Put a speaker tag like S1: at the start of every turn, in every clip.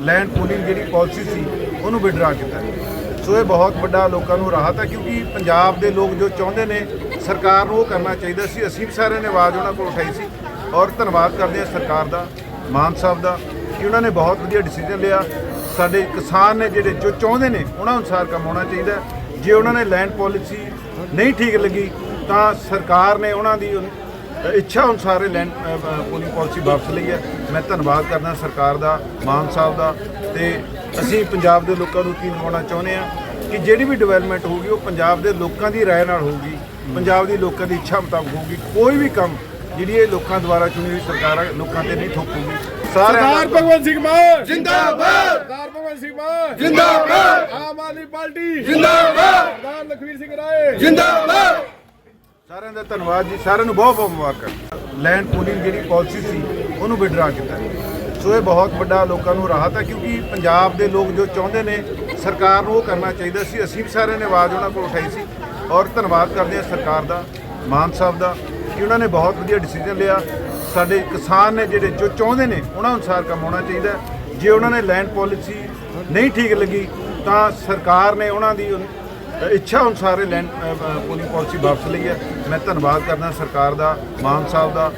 S1: Land pooling जी policy सी उन्होंने विड्रा किया। सो ये बहुत बड़ा लोगों को राहत है, क्योंकि पंजाब के लोग जो चाहते हैं सरकार को करना चाहिए सी। असीं भी सारे ने आवाज़ उन्होंने को उठाई सी और धन्यवाद करते हैं सरकार का, मान साहब का, कि उन्होंने बहुत वधिया डिसीजन लिया। साडे किसान ने जिहड़े जो चाहते हैं उन्होंने अनुसार काम होना चाहिए। जे उन्होंने लैंड पॉलिसी नहीं ठीक लगी तो सरकार ने उन्होंने इच्छा अनुसार लैंड पूलिंग पॉलिसी वापस ली है। मैं धन्यवाद करना सरकार का, मान साहब का। तो असीं पंजाब के लोगों को यकीन दिवाना चाहुंदे हैं कि जिहड़ी भी डिवेलपमेंट होगी वो पंजाब के लोगों की राय नाल होगी, पंजाब के लोगों की इच्छा मुताबिक होगी। कोई भी काम जिहड़ी लोगों द्वारा चुनी हुई सरकार लोगों से नहीं थोपूगी।
S2: सरदार भगवंत सिंह मान जिंदाबाद, सरदार भगवंत सिंह मान जिंदाबाद, आम आदमी पार्टी जिंदाबाद, सरदार लखवीर सिंह राय जिंदाबाद।
S1: सारे का धन्यवाद जी, सारे बहुत बहुत मुबारक। लैंड पूलिंग जी पॉलिसी सी उन्होंने विड्रा किया। सो ये बहुत बड़ा लोगों को राहत है, क्योंकि पंजाब के लोग जो चाहते हैं सरकार को करना चाहिए सी। असीं भी सारे ने आवाज़ उन्होंने को उठाई सी और धन्यवाद करते हैं सरकार का, मान साहब का, कि उन्होंने बहुत वधिया डिसीजन लिया। साडे किसान ने जिहड़े जो चाहते हैं उन्होंने अनुसार काम होना चाहिए। जे उन्होंने लैंड पॉलिसी नहीं ठीक लगी तो सरकार ने उन्होंने इच्छा अनुसार लैंड पूलिंग पॉलिसी वापस ली है। मैं धन्यवाद करना सरकार का, मान साहब का।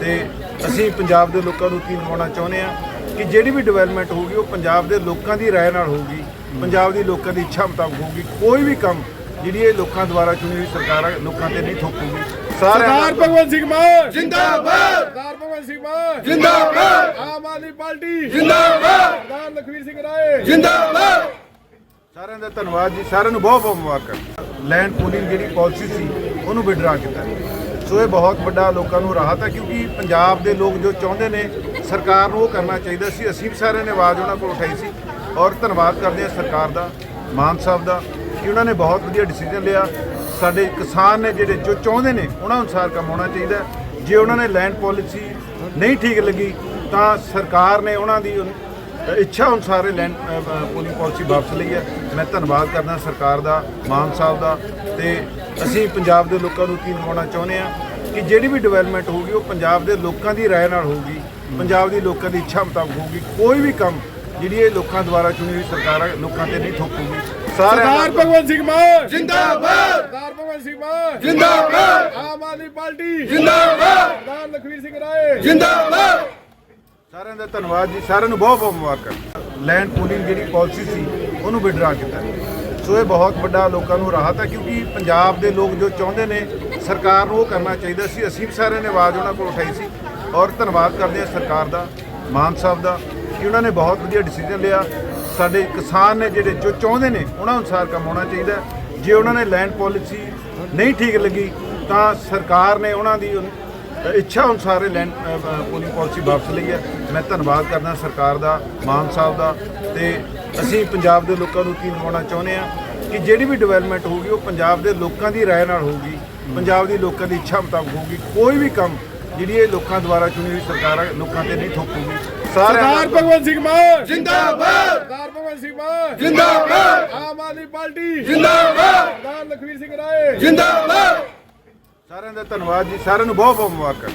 S1: तो असीं पंजाब के लोगों को यकीन दिवाना चाहुंदे हैं कि जिहड़ी भी डिवेलपमेंट होगी वो पंजाब के लोगों की राय नाल होगी, पंजाब के लोगों की इच्छा मुताबिक होगी। कोई भी काम जिहड़ी लोगों द्वारा चुनी हुई सरकार लोगों से नहीं थोपूगी।
S2: सरदार भगवंत सिंह मान जिंदाबाद, सरदार भगवंत सिंह मान जिंदाबाद, आम आदमी पार्टी जिंदाबाद, सरदार लखवीर सिंह राय जिंदाबाद।
S1: सारे का धन्यवाद जी, सारे बहुत बहुत मुबारक। लैंड पूलिंग जी पॉलिसी सी उन्होंने विड्रा किया। सो ये बहुत बड़ा लोगों को राहत है, क्योंकि पंजाब के लोग जो चाहते हैं सरकार को करना चाहिए सी। असीं भी सारे ने आवाज़ उन्होंने को उठाई सी और धन्यवाद करते हैं सरकार का, मान साहब का, कि उन्होंने बहुत वधिया डिसीजन लिया। साडे किसान ने जिहड़े जो चाहते हैं उन्होंने अनुसार काम होना चाहिए। जे उन्होंने लैंड पॉलिसी नहीं ठीक लगी तो सरकार ने उन्होंने इच्छा अनुसार लैंड पूलिंग पॉलिसी वापस ली है। मैं धन्यवाद करना सरकार का, मान साहब का। तो असीं पंजाब के लोगों को यकीन दिवाना चाहुंदे हैं कि जिहड़ी भी डिवेलपमेंट होगी वो पंजाब के लोगों की राय नाल होगी, पंजाब के लोगों की इच्छा मुताबिक होगी। कोई भी काम जिहड़ी लोगों द्वारा चुनी हुई सरकार लोगों से नहीं थोपूगी।
S2: सरदार भगवंत सिंह मान जिंदाबाद, सरदार भगवंत सिंह मान जिंदाबाद, आम आदमी पार्टी जिंदाबाद, सरदार लखवीर सिंह राय जिंदाबाद।
S1: सारे का धन्यवाद जी, सारे बहुत बहुत मुबारक। लैंड पूलिंग जी पॉलिसी सी उन्होंने विड्रा किया। सो ये बहुत बड़ा लोगों को राहत है, क्योंकि पंजाब के लोग जो चाहते हैं सरकार को करना चाहिए सी। असीं भी सारे ने आवाज़ उन्होंने को उठाई सी और धन्यवाद करते हैं सरकार का, मान साहब का, कि उन्होंने बहुत वधिया डिसीजन लिया। साडे किसान ने जिहड़े जो चाहते हैं उन्होंने अनुसार काम होना चाहिए। जे उन्होंने लैंड पॉलिसी नहीं ठीक लगी तो सरकार ने उन्होंने इच्छा अनुसार लैंड पूलिंग पॉलिसी वापस ली है। मैं धन्यवाद करना सरकार का, मान साहब का। तो असीं पंजाब के लोगों को यकीन दिवाना चाहुंदे हैं कि जिहड़ी भी डिवेलपमेंट होगी वो पंजाब के लोगों की राय नाल होगी, पंजाब के लोगों की इच्छा मुताबिक होगी। कोई भी काम जिहड़ी लोगों द्वारा चुनी हुई सरकार लोगों से नहीं थोपूगी।
S2: सरदार भगवंत सिंह मान जिंदाबाद, सरदार भगवंत सिंह मान जिंदाबाद, आम आदमी पार्टी जिंदाबाद, सरदार लखवीर सिंह राय जिंदाबाद।
S1: सारे का धन्यवाद जी, सारे बहुत बहुत मुबारक।